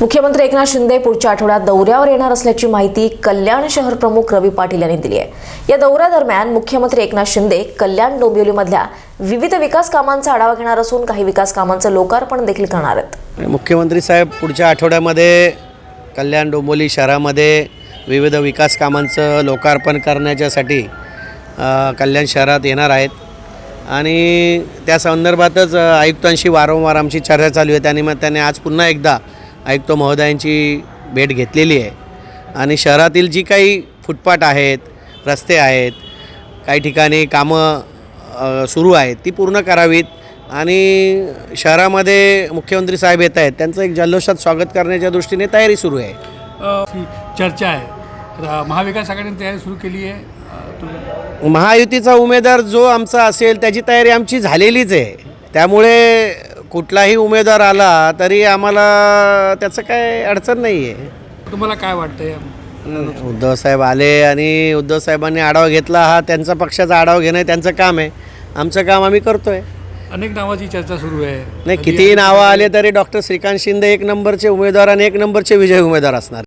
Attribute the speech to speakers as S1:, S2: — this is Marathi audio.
S1: मुख्यमंत्री एकनाथ शिंदे पुढच्या आठवड्यात दौऱ्यावर येणार असल्याची माहिती कल्याण शहर प्रमुख रवी पाटील यांनी दिली आहे। या दौऱ्यादरम्यान मुख्यमंत्री एकनाथ शिंदे कल्याण डोंबिवलीमधल्या विविध विकास कामांचा आढावा घेणार असून काही विकास कामांचं लोकार्पण देखील करणार आहेत।
S2: मुख्यमंत्री साहेब पुढच्या आठवड्यामध्ये कल्याण डोंबिवली शहरामध्ये विविध विकास कामांचं लोकार्पण करण्यासाठी कल्याण शहरात येणार आहेत आणि त्या संदर्भातच आयुक्तांशी वारंवार आमची चर्चा चालू आहे। त्यानिमित्ताने आज पुन्हा एकदा आयुक्त महोदयांची भेट घेतलेली आहे आणि शहरातील जी काही फुटपाथ आहेत, रस्ते आहेत, काही ठिकाणी कामं सुरू आहेत ती पूर्ण करावीत आणि शहरामध्ये मुख्यमंत्री साहेब येत आहेत, त्यांचं एक जल्लोषात स्वागत करण्याच्या दृष्टीने तयारी सुरू आहे।
S3: चर्चा आहे, महाविकास आघाडीने तयारी सुरू केली आहे।
S2: महायुतीचा उमेदवार जो आमचा असेल त्याची तयारी आमची झालेलीच आहे, त्यामुळे कुठलाही उमेदवार आला तरी आम्हाला त्याचं काय अडचण नाही आहे।
S3: तुम्हाला काय वाटतंय?
S2: उद्धव साहेब आले आणि उद्धव साहेबांनी आढावा घेतला, हा त्यांचा पक्षाचा आढावा घेणं त्यांचं काम आहे, आमचं काम आम्ही करतोय।
S3: अनेक नावाची चर्चा सुरू आहे,
S2: नाही कितीही नावं आले तरी डॉक्टर श्रीकांत शिंदे एक नंबरचे उमेदवार आणि एक नंबरचे विजयी उमेदवार असणार।